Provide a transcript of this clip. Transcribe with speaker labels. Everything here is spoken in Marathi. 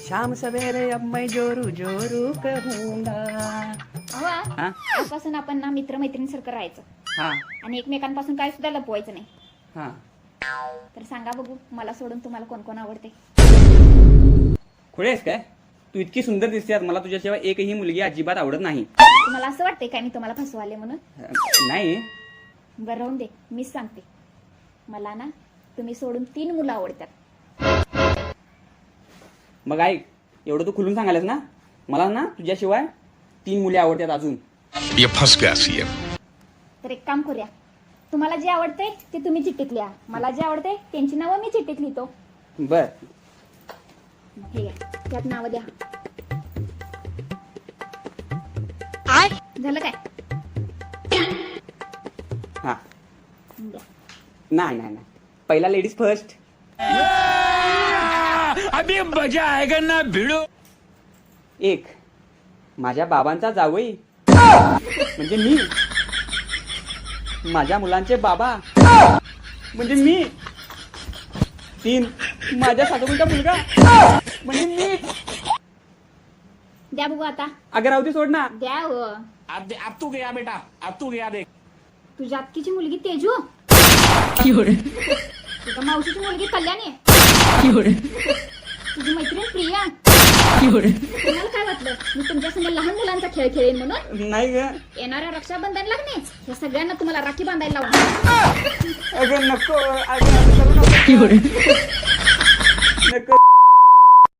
Speaker 1: शाम सवेरे अब मैं जोरू जोरू कहूंगा. हा?
Speaker 2: आजपासून आपण ना मित्रमैत्रिणीसारखं राहायचं
Speaker 1: हा
Speaker 2: आणि एकमेकांपासून काय सुद्धा लपवायचं नाही.
Speaker 1: हा
Speaker 2: तर सांगा बघू, मला सोडून तुम्हाला कोण कोण आवडते?
Speaker 1: खुळे आहेस काय? तू इतकी सुंदर दिसतेस, मला तुझ्याशिवाय एकही मुलगी अजिबात आवडत नाही.
Speaker 2: तुम्हाला असं वाटतंय काय मी तुम्हाला फसवाले म्हणून?
Speaker 1: नाही.
Speaker 2: बरं राहून दे, मीच सांगते. मला ना तुम्ही सोडून 3 मुलं आवडतात.
Speaker 1: मग ऐक, एवढं तू खुलून सांगायलास ना, मला ना तुझ्याशिवाय 3 मुली आवडतात अजून.
Speaker 3: ये फंस गया सीएम.
Speaker 2: तर एक काम करूया, तुम्हाला जे आवडते ते तुम्ही चिठ्ठीत लिहा, मला जे आवडते त्यांची नावं मी चिठ्ठीत लिहितो.
Speaker 1: बर.
Speaker 2: हे घ्या, त्यात नावं द्या. झालं काय?
Speaker 1: हा.
Speaker 2: द्या.
Speaker 1: नाही नाही नाही, पहिला लेडीज फर्स्ट.
Speaker 3: अभी मजा आएगा ना भिड़ो.
Speaker 1: 1 माझ्या बाबांचा जावई म्हणजे मी, माझ्या मुलांचे बाबा म्हणजे मी. 3 माझ्या सासूचा मुलगा म्हणजे मी.
Speaker 2: द्या बघू आता.
Speaker 1: अगं राहू दे, सोड ना.
Speaker 2: द्या हो.
Speaker 3: अब तू गया बेटा, अब तू गया देख.
Speaker 2: तुझ्या अक्कीची मुलगी तेजू, तुझ्या मावशीची मुलगी कल्याणी, तुझी मैत्रीण प्रिया. तुम्हाला काय वाटलं मी तुमच्या संग लहान मुलांचा खेळ खेळेन म्हणून?
Speaker 1: नाही ग.
Speaker 2: येणाऱ्या रक्षाबंधनला की नाही या सगळ्यांना तुम्हाला राखी बांधायला लावणार.
Speaker 1: अगं नको, अगं असं करू नको. नको.